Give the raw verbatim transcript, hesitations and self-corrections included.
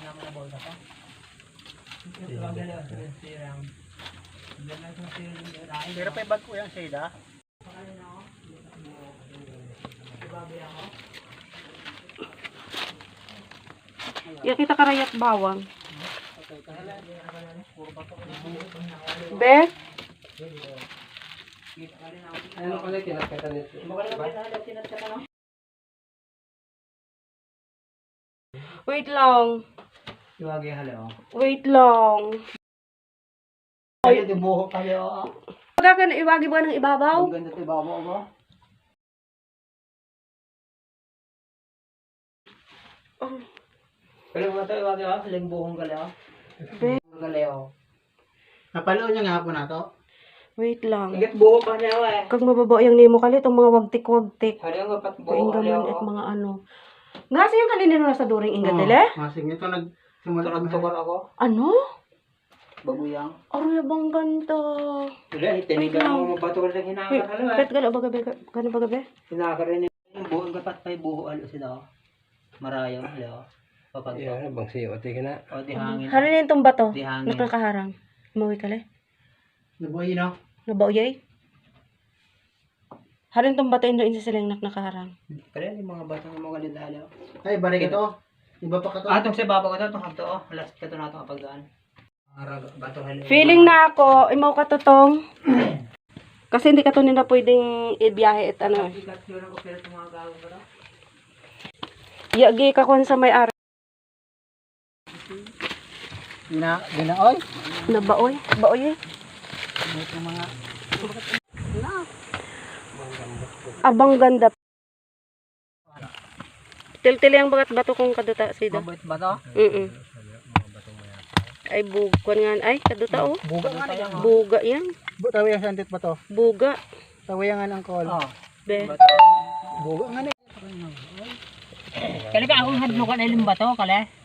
Pero pa ibag ko yung shade, Ya kita karayat bawang. Be? Ano pala kinakita nito? Wait lang. Iwagi halo. Wait lang. Ay, di buhok kayo. Pagka ka na iwagi ba ng ibabaw? Ang ganda ito ibabaw ba? Oh. Pero mga ito iwagi ha, haling buhong galeo. Be? Galeo. Napalo niya nga po na to. Wait lang. Igat buhok pa niya eh. Kag mababa yung nimo kalit, ang mga wagtik-wagtik. Hali nga pat buhok Kaingaman galeo. at mga ano. Nga sa yung kalinin na sa during ingat dele? Masing ito nag simula kami tukar ako. Ano? Babuyang. Aroy bang ganda. Wala, itinigan mo mabato ka ng hinakar halo eh. Pet gana baga be, gana baga be? Hinakar rin yung buhok kapat pa yung buhok alo sila. Marayo halo. Papag. Iya, bang siyo ati kana. O di hangin. Harin yung bato. Di hangin. Nakakaharang. Mawi kale. Nabuhay no? Nabauyay. Harin tong bato indo insa silang nak nakaharang. Kaya yung mga bata ng mga lidalo. Ay, balik ito. Iba pa ka to. Ah, itong sa baba ko ito, itong hapto, oh. Last ka ito na ito kapag daan. Bato halo. Feeling na ako, imaw ka totong. Kasi hindi ka to nila pwedeng ibiyahe at ano. Ikat yun ako pero itong mga gawin ko na. Yagi ka kung sa may ari. Gina, ginaoy. Nabaoy. Baoy eh. Itong mga... Abang ganda. Til-til yung bagat bato kong kaduta sida. Mabait ba ito? Mm Ay bugan nga. Ay kaduta oh. Buga na tayo. Buga yan. Tawi ang santit pa to. Buga. Tawi ang ang call. Oh. Be. Buga nga na. Kali ka akong hadlo ka na ilim ba ito, kali?